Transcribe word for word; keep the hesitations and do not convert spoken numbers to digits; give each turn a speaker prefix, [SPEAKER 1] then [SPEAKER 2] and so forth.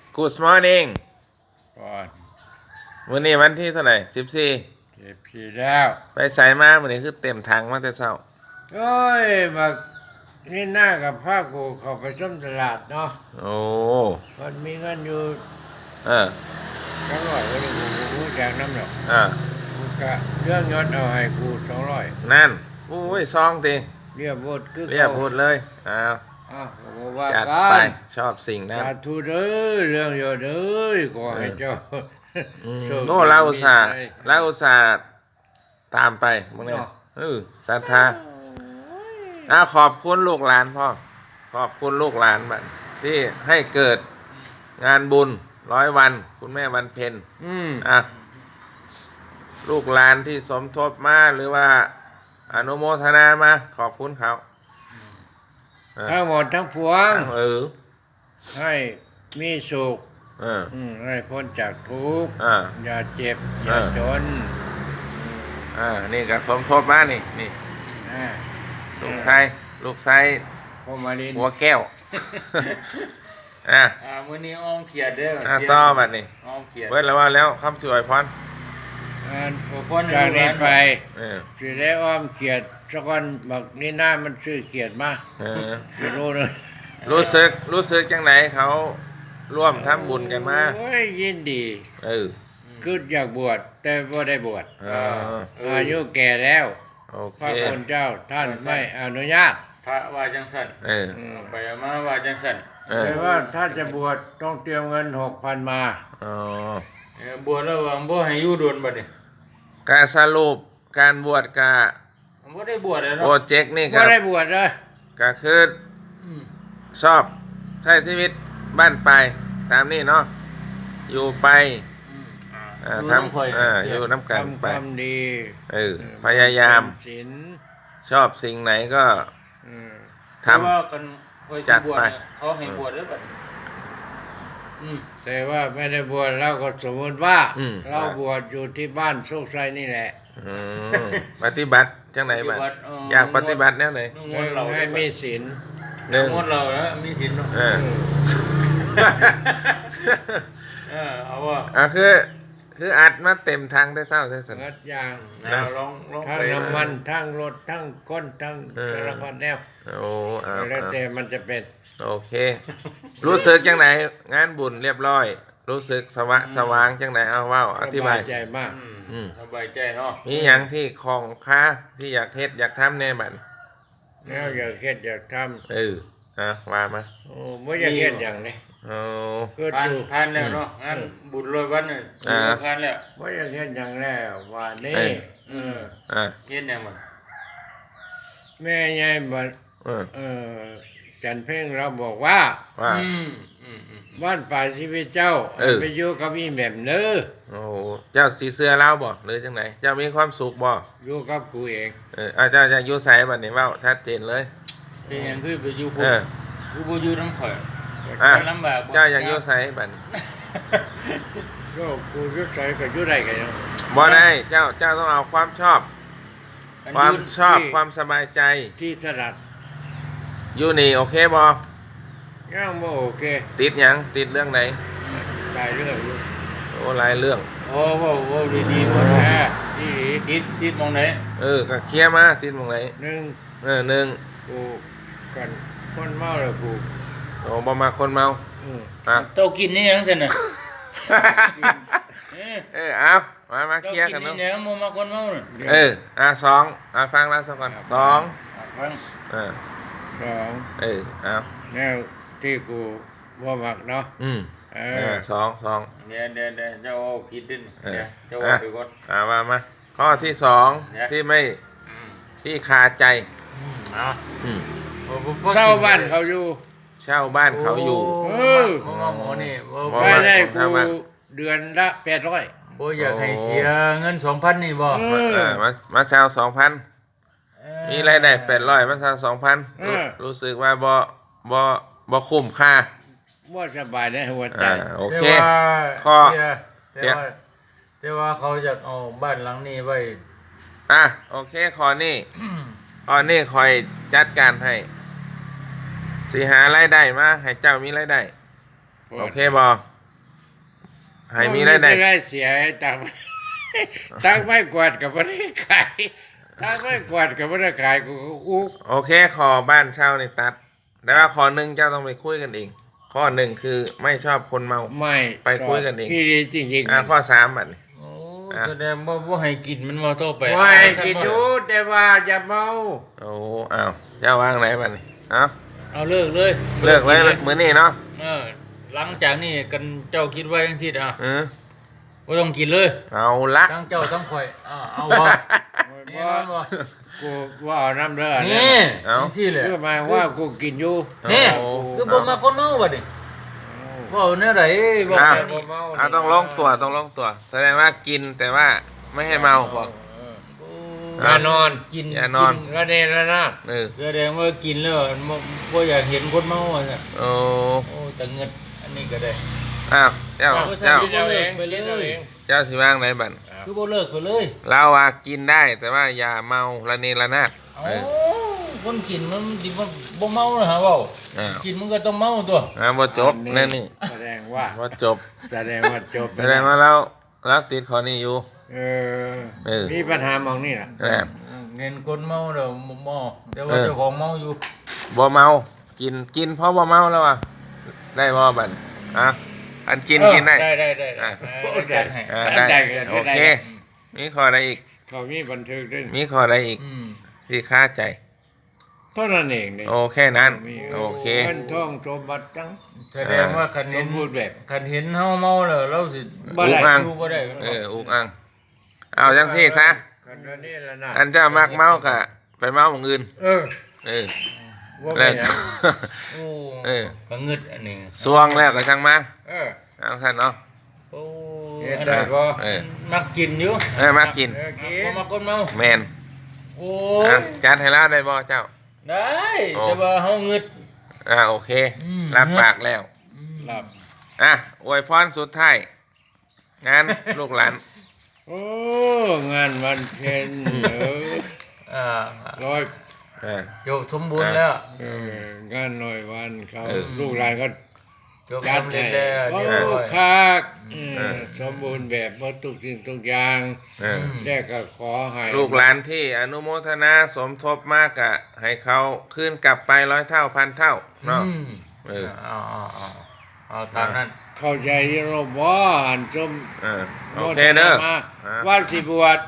[SPEAKER 1] Good morning
[SPEAKER 2] ก่อน
[SPEAKER 1] วันนี้วันที่เท่าไหร่สิบสี่
[SPEAKER 2] เก็บผีแล้ว
[SPEAKER 1] ไปใส่มาวันนี้คือเต็มถังมาแต่เช้า
[SPEAKER 2] โอ้ยมานี่หน้ากับผ้ากูเขาไปส้มตลาดเนาะ
[SPEAKER 1] โอ้
[SPEAKER 2] มันมีเงินอยู่
[SPEAKER 1] เออ
[SPEAKER 2] สองร้อยก็เลยกูกูแจกน้ำหนัก
[SPEAKER 1] เออ
[SPEAKER 2] กูกะเรื่องยศเอาให้กูสองร้อย
[SPEAKER 1] นั่นอุ้ยซองตี
[SPEAKER 2] เรียบหมดคือ
[SPEAKER 1] เรียบพูดเลยอ้าว
[SPEAKER 2] อ้าวผมว่า
[SPEAKER 1] จัด
[SPEAKER 2] กั
[SPEAKER 1] ไป
[SPEAKER 2] น
[SPEAKER 1] ชอบสิ่งนั้น
[SPEAKER 2] สาธุเด้อเรื่องยศเด้อขอให้เจ้าโชคดี
[SPEAKER 1] โน่เราอุตส่าห์
[SPEAKER 2] ใจ
[SPEAKER 1] เราอุตส่าห์ตามไปมึงเนี่ย
[SPEAKER 2] เนาะ
[SPEAKER 1] เออศรัทธาอ้าวขอบคุณลูกหลานพ่อขอบคุณลูกหลานบัดที่ให้เกิดงานบุญร้อยวันคุณแม่วันเพ็ญ
[SPEAKER 2] อืม
[SPEAKER 1] อ่ะลูกหลานที่สมทบมาหรือว่าอนุโมทนามาขอบคุณเขาเออ
[SPEAKER 2] ทั้งหมดทั้งปวง
[SPEAKER 1] เออ
[SPEAKER 2] ให้มีสุข
[SPEAKER 1] เออ
[SPEAKER 2] อืมให้พ้นจากทุกข์
[SPEAKER 1] อ่า
[SPEAKER 2] อย่าเจ็บ อย่า
[SPEAKER 1] เออ
[SPEAKER 2] จน
[SPEAKER 1] อ่านี่ก็สมทบมานี่นี่
[SPEAKER 2] อ่า
[SPEAKER 1] ลูกไส้ลูกไส้
[SPEAKER 2] พอมาลิน
[SPEAKER 1] หัวแก้วอ่ะ
[SPEAKER 3] อ่ามื้อนี้อ้อมเขียดเด้อ
[SPEAKER 1] อ่ะต่อบัดนี้
[SPEAKER 3] อ้อมเขียด
[SPEAKER 1] เบิดแล้วว่าแล้วคำสวยพร
[SPEAKER 2] อ่า
[SPEAKER 3] โอ้พ่อใน
[SPEAKER 2] จาก
[SPEAKER 3] ลูกห
[SPEAKER 2] นี้
[SPEAKER 3] ลาน
[SPEAKER 2] ไป
[SPEAKER 1] เออ
[SPEAKER 2] สิได้อ้อมเขียดสักวันบักนี่หน้ามันซื้อเขียดมา
[SPEAKER 1] เออ
[SPEAKER 2] สิรู้เลย
[SPEAKER 1] รู้สึกรู้สึกจังไหนเขาร่วมทำบุญกันมา
[SPEAKER 2] โอ้ยยินดี
[SPEAKER 1] เออ
[SPEAKER 2] คืออยากบวชแต่บ่ได้บวช
[SPEAKER 1] เออ
[SPEAKER 2] อายุแก่แล้ว
[SPEAKER 1] โอ
[SPEAKER 2] พ
[SPEAKER 1] เค
[SPEAKER 2] ระคุณเจ้าท่านไม่อนุญาต
[SPEAKER 3] พระว่าจังสั่น
[SPEAKER 1] เออ
[SPEAKER 3] เอาไปเอามาว่าจังสั่น
[SPEAKER 1] เออ
[SPEAKER 2] แต่ว่าถ้าจะบวชต้องเตรียมเงินหกพันมา
[SPEAKER 1] อ๋อ
[SPEAKER 3] เออบวชแล้วว่าบ่ให้อยู่โดนบัดนี้
[SPEAKER 1] การสรุปการบวชกา
[SPEAKER 3] บ่ได้บวชแล้ว
[SPEAKER 1] โปร
[SPEAKER 3] เนาะ
[SPEAKER 1] เจกต์นี่
[SPEAKER 2] ก็
[SPEAKER 1] ก็
[SPEAKER 2] ได้บวชเลย
[SPEAKER 1] ก็คือ
[SPEAKER 3] อืม
[SPEAKER 1] ชอบใช้ชีวิตบ้านไปตามนี่เนาะอยู่ไป
[SPEAKER 3] อืม
[SPEAKER 1] เอ่อ
[SPEAKER 3] อยู่
[SPEAKER 1] ท
[SPEAKER 3] น้ำข่อย
[SPEAKER 1] ำเอ่ออยู่น้ำกัน
[SPEAKER 2] ทำค
[SPEAKER 1] ไป
[SPEAKER 2] วามดี
[SPEAKER 1] เออพยายาม
[SPEAKER 2] ศีล
[SPEAKER 1] ชอบสิ่งไหนก็
[SPEAKER 2] อืม
[SPEAKER 1] ท
[SPEAKER 3] แต่ว่ากันข่อย
[SPEAKER 1] จั
[SPEAKER 3] สิ
[SPEAKER 1] ด
[SPEAKER 3] บวช
[SPEAKER 1] ไป
[SPEAKER 3] เนี่ยเขาให้บวชแล้วบัดนี้อืม
[SPEAKER 2] แต่ว่าไม่ได้บวชเราก็สมมติว่า
[SPEAKER 1] อืม
[SPEAKER 2] เราบวชอยู่ที่บ้านโชคชัยนี่แหละ
[SPEAKER 1] ำอืมปฏิบัติจังไหนบ้างอยากปฏิบัติแนวไหน
[SPEAKER 3] งดเรา
[SPEAKER 2] ให้มีศีล
[SPEAKER 1] หนึ่ง
[SPEAKER 3] งดเราแล้วมีศีลเนาะ
[SPEAKER 1] เออ
[SPEAKER 3] เออเอาว่า
[SPEAKER 1] อ่ะคือคืออัดมาเต็มทางได้เศร้าได้สน
[SPEAKER 2] งัดอย่าง
[SPEAKER 3] เอาลองลอง
[SPEAKER 2] ทั้ง
[SPEAKER 3] ไป
[SPEAKER 2] น้ำมันทั้งรถทั้งก้นทั้ง
[SPEAKER 1] เออ
[SPEAKER 2] สารพัดแนว
[SPEAKER 1] โอ้เอา
[SPEAKER 2] แล้ว
[SPEAKER 1] เอา
[SPEAKER 2] แต่มันจะเป็น
[SPEAKER 1] โอเค รู้สึกจังไหนงานบุญเรียบร้อย รู้สึกสวะสว่างจังไหนเอาเว่าอธิบาย
[SPEAKER 2] สใจมาก
[SPEAKER 3] อืม
[SPEAKER 1] อืม
[SPEAKER 3] สบายใจเนาะ
[SPEAKER 1] มีอย่างที่ของค้าที่อยากเฮ็ดอยากทำแน่บัด
[SPEAKER 2] แล้วอยากเฮ็ดอยากท
[SPEAKER 1] เอออ่ะว่ามา
[SPEAKER 2] ำโอ้ไม่อยากเฮ็ดอย่างนี้
[SPEAKER 1] โอ้
[SPEAKER 2] ก็
[SPEAKER 3] ผ่าน
[SPEAKER 2] ดู
[SPEAKER 3] ผ่านแล้วเนาะงานบุญร้อยวันเนี่ย
[SPEAKER 1] อ่า
[SPEAKER 3] ผ่านแล้ว
[SPEAKER 2] ไม่อยากเฮ็ดอย่างแล้วว่านี่
[SPEAKER 1] เอ้ย
[SPEAKER 2] เออ
[SPEAKER 1] อ่ะ
[SPEAKER 3] เฮ็ดหยังมัน
[SPEAKER 2] แม่ยายบัด
[SPEAKER 1] เออ
[SPEAKER 2] เออจันเพ่งเราบอกว่า
[SPEAKER 1] ว่า
[SPEAKER 3] อืมอืมอืม
[SPEAKER 2] บ้านป่าชีวิตเจ้า
[SPEAKER 1] เออ
[SPEAKER 2] ไปอยู่กับอีแหม่มเด้อ
[SPEAKER 1] โอ้เจ้าสีเสื้อเล่าบ่หรือจังไหนเจ้ามีความสุขบ่
[SPEAKER 2] อยู่กับกูเอง
[SPEAKER 1] เออเอาเจ้าจะอยู่ไสบัดนี้เว้าชัดเจนเลย
[SPEAKER 3] เป็นหยังคือไปอยู่
[SPEAKER 1] เอ
[SPEAKER 3] พุ่น
[SPEAKER 1] อ
[SPEAKER 3] กูบ่อยู่น้ำข่อย
[SPEAKER 1] อ่ะ
[SPEAKER 3] มันลำบากบ่
[SPEAKER 1] เจ้าอยากอยู่ไสบัดนี้
[SPEAKER 2] ก็กูอยุ่ใส่ก็อยู่ได้กันยัง
[SPEAKER 1] บ่ได้เจ้าเจ้าต้องเอาความชอบ
[SPEAKER 3] อัน
[SPEAKER 1] ความ
[SPEAKER 3] อยู่
[SPEAKER 1] ชอบความสบายใจ
[SPEAKER 2] ที่สลัด
[SPEAKER 1] อยู่นี่โอเคบ่
[SPEAKER 2] ย่างบ่โอเค
[SPEAKER 1] ติดหยังติดเรื่องไหน
[SPEAKER 2] หลายเรื่องอยู่
[SPEAKER 1] โอ้หลายเรื่อง
[SPEAKER 3] โอ้เว้าเว้าดีๆบ่
[SPEAKER 2] แห
[SPEAKER 3] แท้
[SPEAKER 2] มที่
[SPEAKER 3] ติดติดหมองไหน
[SPEAKER 1] เออก็เคลียร์มาติดตรงไหน
[SPEAKER 2] หนึ่ง
[SPEAKER 1] เออหนึ่ง
[SPEAKER 2] กูกันคนเมาแล้วกู
[SPEAKER 1] โอ้บ่มาคนเมา
[SPEAKER 2] อืม
[SPEAKER 1] อ่ะ
[SPEAKER 3] เจ้ากินนี่หยังซั่นน่ะเออ
[SPEAKER 1] เออเอามามา
[SPEAKER 3] เจ้า
[SPEAKER 1] เคลียร์
[SPEAKER 3] กิ
[SPEAKER 1] กัน น
[SPEAKER 3] นี่
[SPEAKER 1] เนาะ
[SPEAKER 3] แหนบ่มาคนเมาน่ะ
[SPEAKER 1] เอออ่ะสองอ่ะฟังแล้วสักก่อนสอง
[SPEAKER 3] อ่ะฟัง
[SPEAKER 1] เออ
[SPEAKER 2] สอง
[SPEAKER 1] เออเอา
[SPEAKER 2] แนวที่กูว่ามักเนาะ
[SPEAKER 1] อืม
[SPEAKER 2] เอ
[SPEAKER 1] เอ
[SPEAKER 2] อ
[SPEAKER 1] อสองสอง
[SPEAKER 3] เดี๋ยวเดี๋ยวเดี๋ยวเจ้าเอาผิดดิน
[SPEAKER 1] เออ
[SPEAKER 3] เดี๋ยวเจ้าว่าไปก่อน
[SPEAKER 1] อ่ะว่ามาข้อที่สอง
[SPEAKER 3] เนี่ย
[SPEAKER 1] ที่ไม่
[SPEAKER 3] อืม
[SPEAKER 1] ที่คาใจ
[SPEAKER 3] อืมเอา
[SPEAKER 1] อืม
[SPEAKER 3] บ่บ่บ่
[SPEAKER 2] เศร้าบ้านเขาอยู่
[SPEAKER 1] เช่าบ้านเขาอยู่
[SPEAKER 2] เออ
[SPEAKER 3] บ่มาหมอนี่บ่
[SPEAKER 1] บ่
[SPEAKER 3] บ่
[SPEAKER 2] ไม่ได้
[SPEAKER 1] ผม
[SPEAKER 2] กู
[SPEAKER 1] ทำบ้าน
[SPEAKER 2] เดือนละแปดร้อย
[SPEAKER 3] บ่อยากให้เสียเงินสองพันนี่บ่
[SPEAKER 2] เอ
[SPEAKER 1] มาเออมามาเช่าสองพัน
[SPEAKER 3] เอ่อ
[SPEAKER 1] มีรายได้แปดร้อยมาเช่าสองพันรู้สึกว่าบ่บ่บ่คุ้มค่า
[SPEAKER 2] ว่าสบายในหัวใจ
[SPEAKER 1] อ่าโอเค
[SPEAKER 3] แต่ว่า
[SPEAKER 1] ข้อ
[SPEAKER 3] แต่ว่าแต่ว่าเขาอยากเอาบ้านหลังนี้ไว้
[SPEAKER 1] อ่ะโอเคขอนี่ ขอนี่คอยจัดการให้สิหารายได้มาให้เจ้ามีรายได้โอเคบ่ให้มีได้ได้
[SPEAKER 2] บ่ได้เสียให้ตังค์ ตังค์ไม่กวาดกับบ่ได้ขายตังค์ไม่กวาดกับบ่ได้ขายกูก็อุก
[SPEAKER 1] โอเคขอบ้านเช่าในตัด แต่ว่าขอหนึ่งเจ้าต้องไปคุยกันเอง ข้อหนึ่งคือไม่ชอบคนเมา
[SPEAKER 2] ไม่
[SPEAKER 1] ไปคุยกันเอง
[SPEAKER 2] พี่ดีจริงๆ
[SPEAKER 1] อ่าข้อสามบัดนี้
[SPEAKER 3] โอ้
[SPEAKER 1] อ่ะ
[SPEAKER 3] แสดงว่าบ่ให้กินมันมาโตไป
[SPEAKER 2] ไม่กินอยู่แต่ว่าอย่าเมา
[SPEAKER 1] โอ้อ้าวเจ้าวางไหนบัดนี้เอ้า
[SPEAKER 3] เอาเลิกเลย
[SPEAKER 1] เลิกเลยมื้อนี้เนาะ
[SPEAKER 3] เออหลังจากนี้กันเจ้าคิดว่าจังซี่อ่ะ
[SPEAKER 1] เออ
[SPEAKER 3] บ่ต้องกินเลย
[SPEAKER 1] เอาละ
[SPEAKER 3] ทั้งเจ้าทั้งข่อยอ่าเอาบ่แน่นอนบ่
[SPEAKER 2] กูว่าเอาน้ำเด้อ
[SPEAKER 3] นี่
[SPEAKER 1] เอา
[SPEAKER 3] จังซี่แหละ
[SPEAKER 2] เพื่อหมายว่ากูกินอยู่
[SPEAKER 3] นี่
[SPEAKER 1] โอ้
[SPEAKER 3] คือบ่มาคนเมาบัดนี้เว้าแนวใดบ่
[SPEAKER 1] อ้าว
[SPEAKER 3] แค่นี้
[SPEAKER 1] เอาต้องลงตัวต้องลงตัว แสดงว่ากินแต่ว่าไม่ให้เมาบอก
[SPEAKER 2] อย่านอน
[SPEAKER 3] กิน
[SPEAKER 1] อย่านอน
[SPEAKER 2] ระเนระนาด
[SPEAKER 1] เออ
[SPEAKER 3] แสดงว่ากินแล้วบ่บ่อยากเห็นคนเมาอ่ะ
[SPEAKER 1] โอ้
[SPEAKER 3] โอ้แต่เงินอันนี้ก็ได้
[SPEAKER 1] อ้าวเจ้า
[SPEAKER 3] เอา
[SPEAKER 1] เจ้า
[SPEAKER 3] ไป
[SPEAKER 2] เอาเอง
[SPEAKER 3] ไปเลย
[SPEAKER 2] เอาเอง
[SPEAKER 1] เจ้าสิว่างไหนบัด
[SPEAKER 3] คือบ่เลิกไปเลย
[SPEAKER 1] เราอะกินได้แต่ว่าอย่าเมาระเนระนาด
[SPEAKER 3] เอ้า
[SPEAKER 1] เออ
[SPEAKER 3] คนกินมันสิบ่บ่เมานะฮะเว้า
[SPEAKER 1] อ้าว
[SPEAKER 3] กินมันก็ต้องเมาตัว
[SPEAKER 1] อ่าบ่จบนั่นนี่
[SPEAKER 2] แสดงว่า
[SPEAKER 1] บ่จบ
[SPEAKER 2] แสดงว่าจบ
[SPEAKER 1] แสดงว่าเราเราติดข้อนี้อยู่
[SPEAKER 2] เออ
[SPEAKER 1] เออ
[SPEAKER 2] มีปัญหามองนี่ล่ะ
[SPEAKER 1] นะ
[SPEAKER 3] เงินคนเมาแล้วบ่เมาแต่ว่า
[SPEAKER 1] เออ
[SPEAKER 3] เจ้าของเมาอยู่
[SPEAKER 1] บ่เมา กินกินเพราะบ่เมาแล้วอ่ะได้บ่บัดอ่ะอันกินกินได้
[SPEAKER 3] ได้ได้ได้
[SPEAKER 1] อ่ะ
[SPEAKER 3] เออจัดให้
[SPEAKER 1] อ่า
[SPEAKER 2] ได้
[SPEAKER 1] ได้
[SPEAKER 2] ได้
[SPEAKER 1] โอเค มีข้อใดอีก
[SPEAKER 2] เขามีบันทึกด้วย
[SPEAKER 1] มีข้อใดอีก
[SPEAKER 3] อืม
[SPEAKER 1] ที่คาใจ
[SPEAKER 2] เท่านั้นเองเนี่ย
[SPEAKER 1] โอเคนั้น
[SPEAKER 2] มี
[SPEAKER 1] โอเค
[SPEAKER 2] เงินทองสมบัติทั้ง
[SPEAKER 3] แสดงว่าคัน
[SPEAKER 2] ส
[SPEAKER 3] เห็น
[SPEAKER 2] มบูรณ์แบบ
[SPEAKER 3] คันเห็นเฮาเมาแล้วเราสิ
[SPEAKER 2] บ่ได้
[SPEAKER 1] อุกอัง
[SPEAKER 3] อยู่บ่ได้
[SPEAKER 1] เอออุกอัง เอาจังซี่ซะ
[SPEAKER 2] กันระเนระนาด
[SPEAKER 1] อันเจ้ามักเมากะไปเมาหมองอื่น
[SPEAKER 2] เออ
[SPEAKER 1] เออ
[SPEAKER 2] ว่า
[SPEAKER 1] แล้
[SPEAKER 2] ไม่
[SPEAKER 1] ว
[SPEAKER 2] ได้
[SPEAKER 3] โอ้
[SPEAKER 1] เออ
[SPEAKER 3] ก็งึดอันนี้
[SPEAKER 1] สวงแล้วก็ช่างมา
[SPEAKER 2] เออ
[SPEAKER 1] เอาท่านเนาะ
[SPEAKER 3] โอ้
[SPEAKER 2] เฮ็ด
[SPEAKER 3] อัน
[SPEAKER 2] ได้
[SPEAKER 3] นั้น
[SPEAKER 2] บ่
[SPEAKER 1] เออ
[SPEAKER 3] มักกินอยู่
[SPEAKER 1] เออมากิน
[SPEAKER 2] เออกิน
[SPEAKER 3] บ่มาคนเมา
[SPEAKER 1] แมน
[SPEAKER 3] โอ้
[SPEAKER 1] อ่ะ
[SPEAKER 3] ย
[SPEAKER 1] จัดให้แล้วได้บ่เจ้า
[SPEAKER 3] ได้
[SPEAKER 1] โอ้
[SPEAKER 3] แต่ว่าเฮาเงึด
[SPEAKER 1] อ่าโอเค
[SPEAKER 3] อืม
[SPEAKER 1] รับปากแล้ว
[SPEAKER 2] หลับ
[SPEAKER 1] อ่ะอวยพรสุดท้าย งานลูกหลาน
[SPEAKER 2] โอ้ งานวันเพ็ญเออ
[SPEAKER 3] อ่า
[SPEAKER 2] ร้อย
[SPEAKER 1] เออ
[SPEAKER 3] จบสมบูรณ์แล้ว
[SPEAKER 2] เอองานร้อยวันเขา
[SPEAKER 1] เออ
[SPEAKER 2] ลูกหลานก็
[SPEAKER 3] จบสำเร็จแล้ว
[SPEAKER 2] โอ้
[SPEAKER 3] เรียบร้อย
[SPEAKER 2] คักเออ
[SPEAKER 1] เออ
[SPEAKER 2] สมบูรณ์แบบหมดทุกสิ่งทุกอย่าง
[SPEAKER 1] เออ
[SPEAKER 3] ม
[SPEAKER 2] แยกก็ขอให้
[SPEAKER 1] ลูกหลานที่อนุโมทนาสมทบมากอะให้เขาขึ้นกลับไปร้อยเท่าพันเท่าเนาะ
[SPEAKER 3] อืม
[SPEAKER 1] เออ
[SPEAKER 3] เอาเอาเอาเอาตามนั้น
[SPEAKER 2] เข้าใจโรบอหันชม
[SPEAKER 1] เออโอเคเด้อ
[SPEAKER 2] มา
[SPEAKER 1] อ่ะ
[SPEAKER 2] ว่าสิบวช